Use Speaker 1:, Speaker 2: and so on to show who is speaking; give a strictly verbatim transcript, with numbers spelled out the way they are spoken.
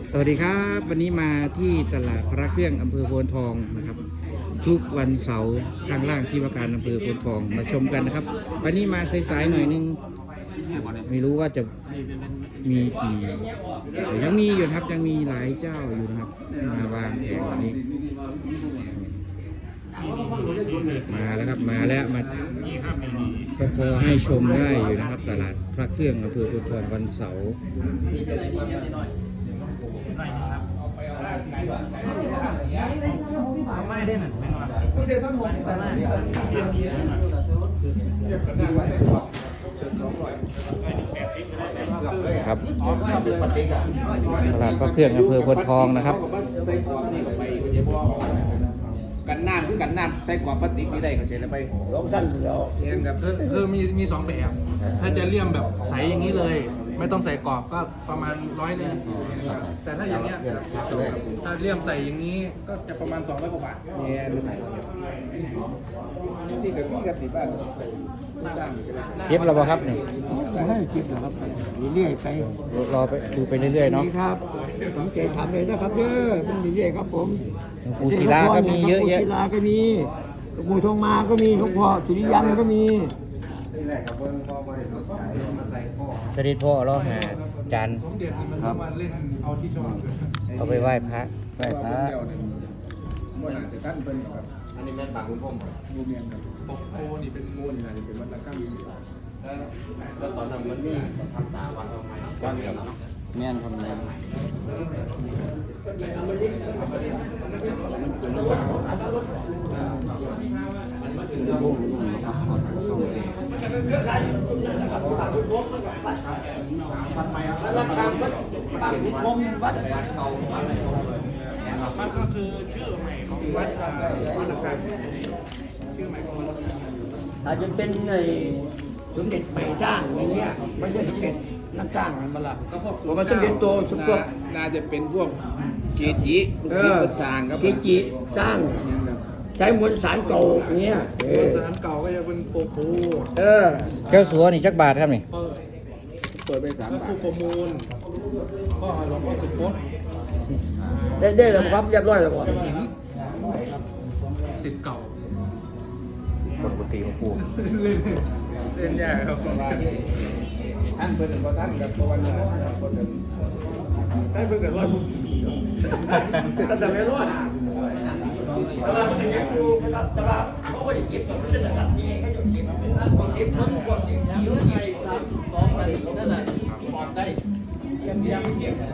Speaker 1: สวัสดีครับวันนี้มาที่ตลาดพระเครื่องอำเภอโพนทองนะครับทุกวันเสาร์ข้างล่างที่ว่าการอำเภอโพนทองมาชมกันนะครับวันนี้มาสายๆหน่อยนึงไม่รู้ว่าจะมีกี่ยังมีอยู่ครับยังมีหลายเจ้าอยู่นะครับมาวางแผงวันนี้มาแล้วครับมาแล้วมาก็พอให้ชมได้อยู่นะครับตลาดพระเครื่องอำเภอโพนทองวันเสาร์
Speaker 2: ไม่ได้หนึ่งไม่นอน
Speaker 1: ครับตลาดพระเครื่องอำเภอโพนทองนะครับ
Speaker 3: กันน้ำคือกันน้ำใส่กรอบพลาสติกนี่ได้เข้าใจแล้วไปลองสั้นเดียว
Speaker 2: เองกับคือคือมีมีสองแบบ ถ้าจะเลี่ยมแบบใสอย่างนี้เลย ไม่ต้องใส่กรอบก็ประมาณร้อยนึงแต่ถ้าอย่างเงี้ยถ้าเลี่ยมใส่อย่างนี้ก็จะประมาณสองร้อยกว่าบาท
Speaker 3: เนี่ยหรือใส่ที่กับพี่กับที่บ้านสร้าง
Speaker 1: เก็บแล้วบ่ครับนี่
Speaker 4: ให้กินนะครับเรื่อยๆไป
Speaker 1: รอไปดูไปเรื่อยๆเนาะ
Speaker 4: นี่ครับผมเกทำเลยนะครับเด้อมันเรื่อยๆครับผม
Speaker 1: ปูศิลาก็มีเยอะแยะ
Speaker 4: ปูศิลาก็มีหลวงปู่ทองมาก็มีหลวงพ่อสุริยันก็มี
Speaker 1: เสด็จพ่อเราหาจาน
Speaker 2: สมเด็จนี่มันต้องมาเล่นเอาที่ชอบ
Speaker 1: เอาไปไหว้พระ
Speaker 4: ไหว้พระ
Speaker 3: ว่าน่าจะท่านเป็นแบบอันนี้แม่บางคุณพ่อดูเมียนกับ
Speaker 2: ปกโพนี่เป็น
Speaker 3: งูนี่นะนี่เป็นวัฒนธรรม
Speaker 5: แล้วตอนนั้นมันมีทำตาวันทำไมวันเดียวเนาะ
Speaker 4: แม่นคนไหนราคาวัดบางขุนพรหมวัด
Speaker 2: มันก็คือชื่อใหม่ของวัดวัดละคังชื่อใหม่ของวัดละคัง
Speaker 4: อาจจะเป็นในสมเด็จใหม่สร้างอย่างเงี้ยไม่ใช่สมเด็จนักสร้างมันมาละ
Speaker 2: ก็พวก
Speaker 4: ผมว่าสมเด็จโตสมเด็จ
Speaker 3: น่าจะเป็นพวกเกจิลูกศิษย์วัดสร้างครับ
Speaker 4: เกจิสร้างใช้มวลสารเก่าอย่างเงี้ยเอ
Speaker 2: มว
Speaker 4: อ
Speaker 2: ลสารเก่าก็จะเป็นโปโพ
Speaker 4: เออ
Speaker 1: แก้วสัวนี่จักบาทครับนี่
Speaker 2: เปิด
Speaker 3: เปิดไปสาม
Speaker 2: พระ
Speaker 3: บา
Speaker 2: ครู
Speaker 3: ท
Speaker 2: ประมูลก็หลวงพ่อสุพจน์
Speaker 4: ได้ได้แล้วครับเรียบร้อยแล้วครับ
Speaker 2: หินสิทธิ์เก่า
Speaker 1: ปกติของปู
Speaker 2: เล่นใหญ่ครับ
Speaker 3: ท่านเป็นก็ท่านกับวันนี้คนหนึ่ง
Speaker 4: ได้เพิ่งเกิดร้อยพุ่งก็จะไม่รอดแต่ว่ามันยังอยู่แต่ว่าเขาไม่เก็บมันจะตัดเองให้จนเก็บเก็บทั้งหมดสิ่งที่อยู่ในสามสองอะไรนั่นแหละปลอดได้เก็บยังเก็บ